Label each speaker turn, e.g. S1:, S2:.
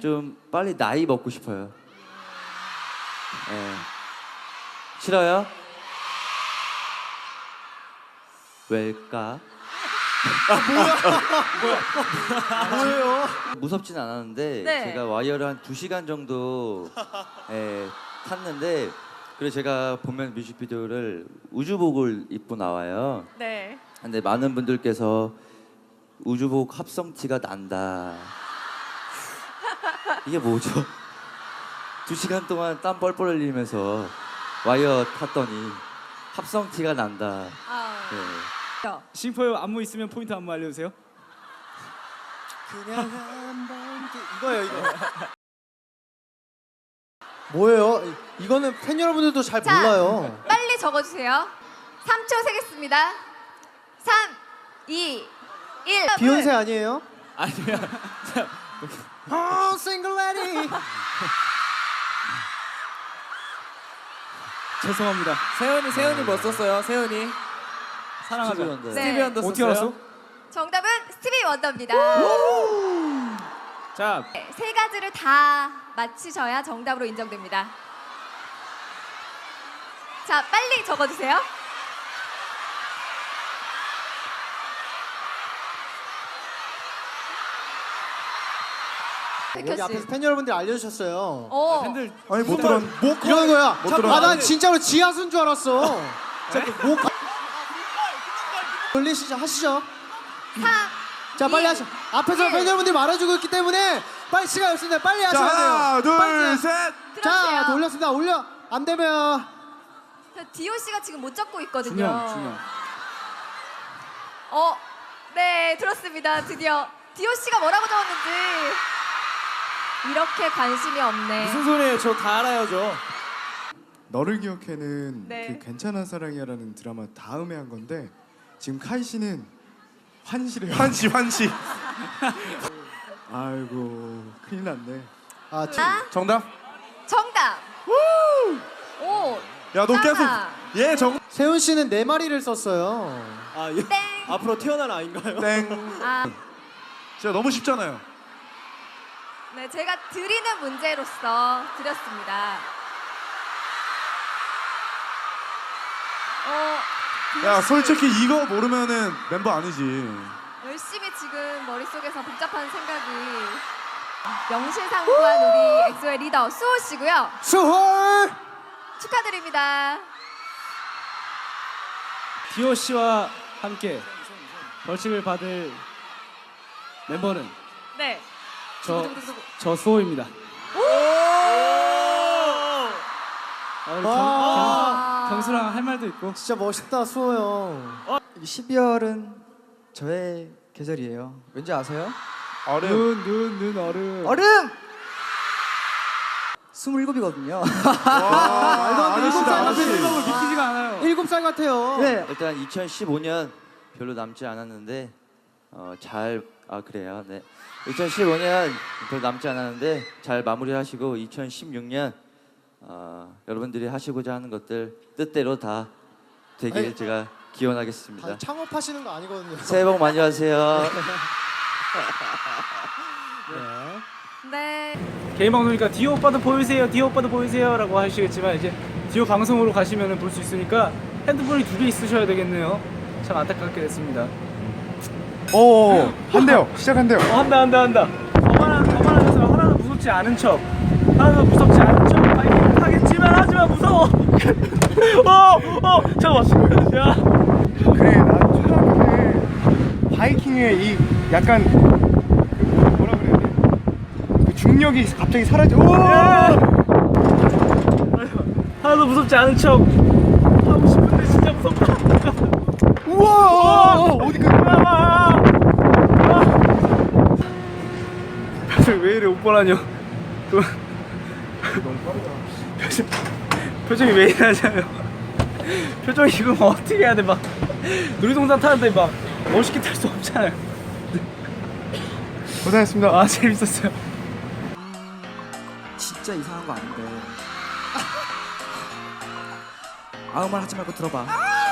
S1: 좀 빨리 나이 먹고 싶어요. 네. 싫어요? 왜일까?
S2: 뭐예요?
S1: 무섭진 않았는데
S3: 네.
S1: 제가 와이어를 한 2시간 정도 탔는데 그리고 제가 보면 뮤직비디오를 우주복을 입고 나와요.
S3: 네.
S1: 근데 많은 분들께서 우주복 합성티가 난다. 이게 뭐죠? 2시간 동안 땀 뻘뻘 흘리면서 와이어 탔더니 합성티가 난다.
S3: 아.
S1: 네.
S2: 심포요 안무 있으면 포인트 안무 알려주세요.
S4: 그냥 한번 이거예요 이거. 뭐예요? 이거는 팬 여러분들도 잘
S3: 자,
S4: 몰라요.
S3: 빨리 적어주세요. 3초 세겠습니다. 3, 2, 1.
S4: 비욘세 아니에요?
S2: 아니야.
S4: Oh, single lady.
S2: 죄송합니다.
S5: 세훈이 뭐 썼어요? 세훈이
S2: 사랑하자.
S1: 스티비 원더.
S3: 네.
S5: 스티비 원더
S2: 어떻게
S5: 썼어요?
S2: 알았어?
S3: 정답은 스티비 원더입니다.
S2: 자,
S3: 네, 세 가지를 다 맞히셔야 정답으로 인정됩니다. 자, 빨리 적어주세요.
S4: 여기
S3: 백효
S4: 앞에서
S3: 씨.
S4: 팬 여러분들 알려주셨어요.
S3: 오.
S2: 팬들
S4: 아니 못 들어. 뭐 이런 거야. 난 진짜로 지하수인 줄 알았어. 뭐 돌리시죠, 하시죠.
S3: 3,
S4: 자 빨리
S3: 2,
S4: 하셔. 앞에서
S3: 1.
S4: 팬 여러분들이 말해주고 있기 때문에 빨리 시간 없습니다. 빨리 하셔야 돼요.
S6: 하나, 둘,
S4: 빨리.
S6: 셋.
S3: 들었어요.
S4: 자 돌렸습니다. 올려. 안 되면
S3: 디오 씨가 지금 못 적고 있거든요.
S2: 준영.
S3: 네, 들었습니다. 드디어 디오 씨가 뭐라고 적었는지. 이렇게 관심이 없네.
S5: 무슨 소리예요? 저 다 알아요, 저.
S6: 너를 기억해는
S3: 네.
S6: 그 괜찮은 사랑이야라는 드라마 다음에 한 건데 지금 카이 씨는 환시래요.
S7: 환시.
S6: 아이고 큰일 났네.
S4: 아
S7: 정답?
S3: 정답. 오.
S7: 야, 너 계속
S3: 짱아.
S7: 얘 정.
S4: 세훈 씨는 네 마리를 썼어요.
S5: 아,
S3: 땡.
S5: 앞으로 태어난 아인가요?
S7: 땡.
S3: 아,
S7: 진짜 너무 쉽잖아요.
S3: 네, 제가 드리는 문제로서 드렸습니다.
S7: 야, 솔직히 이거 모르면은 멤버 아니지.
S3: 열심히 지금 머릿속에서 복잡한 생각이 명실상부한 우리 엑소의 리더 수호 씨고요.
S4: 수홀.
S3: 축하드립니다.
S2: 디오 씨와 함께 벌칙을 받을 멤버는
S3: 네.
S2: 저 수호입니다. 우리 경수랑 할 말도 있고.
S4: 진짜 멋있다 수호 형.
S5: 12월은 저의 계절이에요. 왠지 아세요?
S7: 어려.
S2: 눈 얼음.
S5: 얼음! 27이거든요.
S7: 와, 아저씨다, 아저씨.
S2: 믿기지가 않아요.
S4: 7살 같아요.
S5: 네.
S1: 일단 2015년 별로 남지 않았는데 그래요. 네. 2015년 별로 남지 않았는데 잘 마무리하시고 2016년 여러분들이 하시고자 하는 것들 뜻대로 다 되길
S4: 아니,
S1: 제가 기원하겠습니다.
S4: 다 창업하시는 거 아니거든요.
S1: 새해 복 많이 하세요.
S3: 네.
S2: 개인 방송이니까 디오 오빠도 보이세요, 디오 오빠도 보이세요라고 하시겠지만 이제 디오 방송으로 가시면 볼 수 있으니까 핸드폰이 2개 있으셔야 되겠네요. 참 안타깝게 됐습니다.
S6: 오 한대요. 시작한대요.
S2: 한다. 거만하면서 하나도 무섭지 않은 척. 하나도 무섭지 않은 척. 바이킹 하겠지만 하지만 무서워. 잠깐만. 야.
S6: 그래 나 초등학교 때 바이킹의 이 약간 뭐라 그래야 돼? 그 중력이 갑자기 사라져.
S2: 하나도 무섭지 않은 척. 하고 싶은데 진짜 무섭다.
S6: 우와 어디 그
S2: 표정이 왜 이래 오빠라뇨.
S6: 너무 빠르다.
S2: 표정이 왜 이러냐요. 표정이 지금 어떻게 해야 돼. 막 놀이동산 타는데 막 멋있게 탈 수 없잖아요.
S6: 고생했습니다.
S2: 아 재밌었어요.
S5: 진짜 이상한 거 아닌데. 아무 말 하지 말고 들어봐.